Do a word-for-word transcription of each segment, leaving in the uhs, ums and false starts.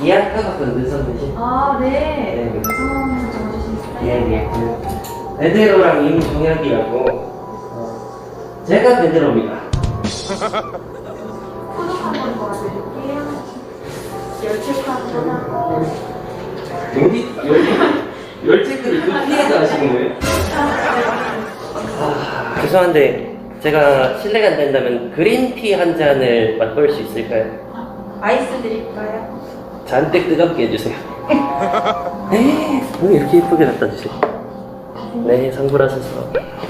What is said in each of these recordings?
예약하거든 눈썹이지. 아, 네. 네. 성함 적어주시겠어요? 예, 예. 그 베드로랑 임종혁이라고. 어, 제가 베드로입니다. 소독 한번 도와드릴게요. 열체크하고 하고. 여기 여기 열체크를 그 피해서 하시는 거예요? 아, 죄송한데 제가 실례가 안 된다면 그린티 한 잔을 맛볼 수 있을까요? 아이스 드릴까요? 잔뜩 뜨겁게 해주세요. 네, 왜 이렇게 예쁘게 갖다 주세요? 네, 상부라셔서.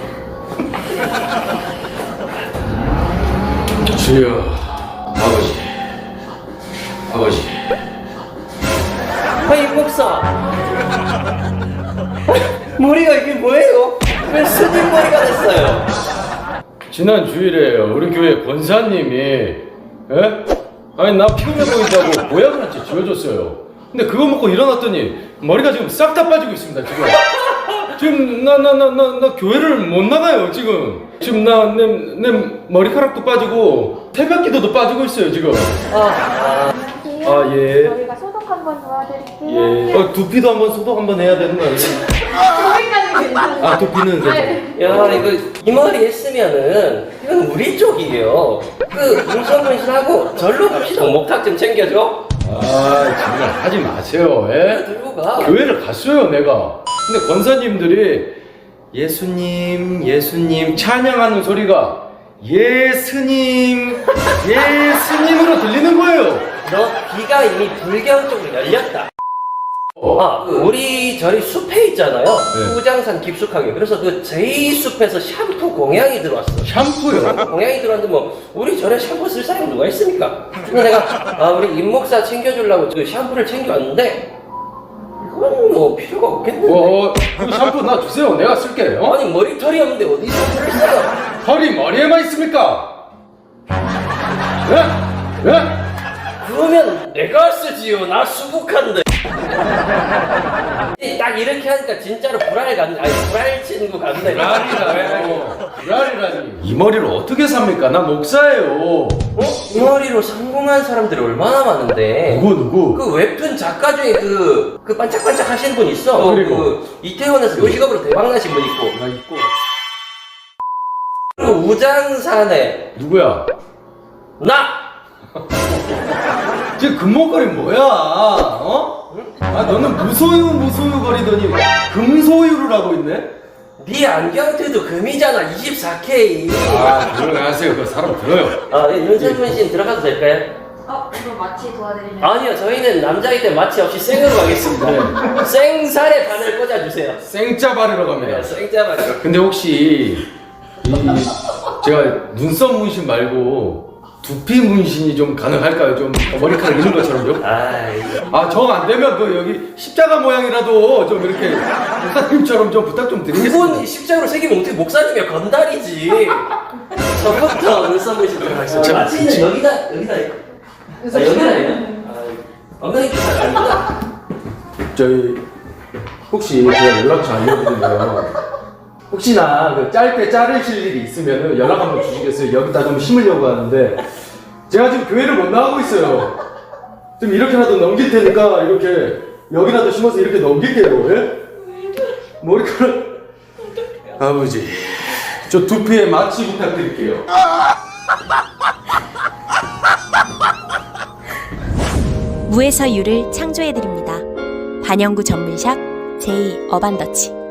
주여, 아버지, 아버지. 아이 목사, 머리가 이게 뭐예요? 왜 스님 머리가 됐어요? 지난 주일에 우리 교회 권사님이, 에? 아니 나 피곤해 보인다고 보약을 한 채 지어줬어요. 근데 그거 먹고 일어났더니 머리가 지금 싹 다 빠지고 있습니다. 지금 지금 나 나 나 나 나 교회를 못 나가요. 지금 지금 나 내 내 머리카락도 빠지고 새벽기도도 빠지고 있어요 지금. 아, 아 예. 저희가 소독 한번 도와드릴게요. 예. 어, 두피도 한번 소독 한번 해야 되는 거 아니에요? 거기까지 괜찮아요. 아 두피는 괜찮아요. 네. 야 이거 이 머리 했으면은 이건 우리 쪽이에요. 그 눈썹 문신하고 절로 갑시다. 목탁 좀 챙겨줘. 아 정말 하지 마세요. 예? 들고 가. 교회를 갔어요 내가. 근데 권사님들이 예수님 예수님 찬양하는 소리가 예스님 예스님으로 들리는 거예요. 너 귀가 이미 불경 쪽으로 열렸다. 어. 아, 그 우리 저희 숲에 있잖아요. 네. 후장산 깊숙하게. 그래서 그 제이 숲에서 샴푸 공양이 들어왔어. 샴푸요? 공양이 들어왔는데 뭐 우리 절에 샴푸 쓸 사람이 누가 있습니까? 그래서 내가 아, 우리 임목사 챙겨주려고 그 샴푸를 챙겨왔는데 이건 뭐 필요가 없겠는데. 어, 그 샴푸 나 주세요. 내가 쓸게. 어? 아니 머리털이 없는데 어디 샴푸를 써요? 털이 머리에만 있습니까? 예? 예? 그러면 내가 쓰지요. 나 수북한데. 딱 이렇게 하니까 진짜로 불알 같네. 아니 불알 친구 같네. 불알이라뇨. 불알이라니. 이 머리를 어떻게 삽니까? 나 목사예요. 어? 이 머리로 성공한 사람들이 얼마나 많은데. 누구 누구? 그 웹툰 작가 중에 그, 그 반짝반짝 하시는 분 있어. 어, 그리고? 그 이태원에서 요식업으로 대박나신 분 있고. 나 있고. 그리고 우장산에 누구야? 나! 지금 금목걸이 뭐야? 어? 아 너는 무소유 무소유 거리더니 금소유를 하고 있네? 네 안경테도 금이잖아. 이십사 케이. 아 조용히 하세요. 그 사람 들어요. 아, 예, 윤선문 씨 들어가도 될까요? 어, 이거 마취 도와드리면. 아니요, 저희는 남자이기 때문에 마취 없이 생으로 가겠습니다. 네. 생살에 바늘 꽂아주세요. 생짜 바르러 갑니다. 생짜바늘. 근데 혹시 이 제가 눈썹 문신 말고 두피 문신이 좀 가능할까요? 좀 머리카락 있는 것처럼 좀? 아이. 아, 정 안 되면 그 여기 십자가 모양이라도 좀 이렇게 목사님처럼 좀 부탁 좀 드리겠습니다. 그건 십자가로 새기면 어떻게 목사님이야 건달이지. 저부터 눈썹 문신 들어가겠습니다. 자, 마취는 지금- 여기다 여기다 아, 여기다 해요? 엉덩이 좀 여기다. 저희 혹시 제가 연락처 알려드리면 혹시나 그 짧게 자르실 일이 있으면 연락 한번 주시겠어요? 여기다 좀 심으려고 하는데 제가 지금 교회를 못 나가고 있어요. 좀 이렇게라도 넘길 테니까 이렇게 여기라도 심어서 이렇게 넘길게요. 예? 머리카락 아버지 저 두피에 마취 부탁드릴게요. 무에서 유를 창조해드립니다. 반영구 전문샵 제이 어반더치.